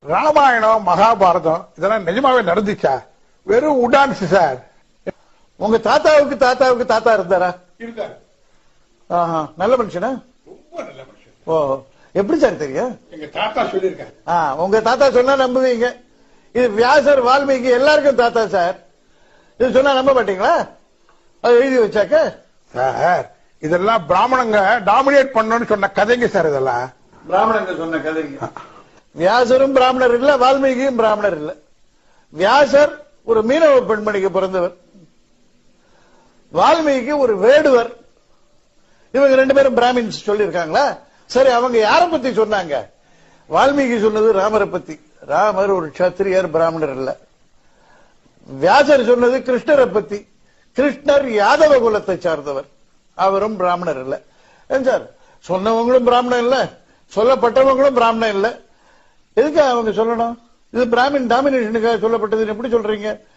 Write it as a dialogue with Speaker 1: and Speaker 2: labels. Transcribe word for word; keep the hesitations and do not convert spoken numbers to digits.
Speaker 1: ராமாயணம் மகாபாரதம் இதெல்லாம் நிஜமாவே நடந்துச்சா? வெறும் உடான்ஸ் சார்.
Speaker 2: உங்க தாத்தாவுக்கு தாத்தாவுக்கு தாத்தா இருந்தாரா?
Speaker 1: இருக்காரு.
Speaker 2: ஆஹா, நல்ல மனுஷனா?
Speaker 1: ரொம்ப நல்ல மனுஷன்.
Speaker 2: ஓ, எப்படி சார் தெரியும்?
Speaker 1: எங்க தாத்தா சொல்லியிருக்காரு.
Speaker 2: உங்க தாத்தா சொன்னா நம்புவீங்க. இது வியாசர் வால்மீகி எல்லாருக்கும் தாத்தா சார். இது சொன்னா நம்ப மாட்டீங்களா? அது எழுதி வச்சாக்க
Speaker 1: சார் இதெல்லாம் பிராமணங்க டாமினேட் பண்ணணும்னு சொன்ன கதைங்க சார். இதெல்லாம்
Speaker 2: பிராமணங்க சொன்ன கதைங்க. வியாசரும் பிராமணர் இல்ல, வால்மீகியும் பிராமணர் இல்ல. வியாசர் ஒரு மீனவ பெண்மணிக்கு பிறந்தவர், வால்மீகி ஒரு வேடுவர். இவங்க ரெண்டு பேரும் பிராமின்ஸ் சொல்லியிருக்காங்களா? சரி, அவங்க யார பத்தி சொன்னாங்க? வால்மீகி சொன்னது ராமரை பத்தி. ராமர் ஒரு சத்திரியர், பிராமணர் இல்ல. வியாசர் சொன்னது கிருஷ்ணரை பத்தி. கிருஷ்ணர் யாதவ குலத்தை சார்ந்தவர், அவரும் பிராமணர் இல்ல. சார், சொன்னவங்களும் பிராமணன் இல்ல, சொல்லப்பட்டவங்களும் பிராமணன் இல்ல. எதுக்கு அவங்க சொல்லணும்? இது பிராமின் டாமினேஷனுக்காக சொல்லப்பட்டதுன்னு எப்படி சொல்றீங்க?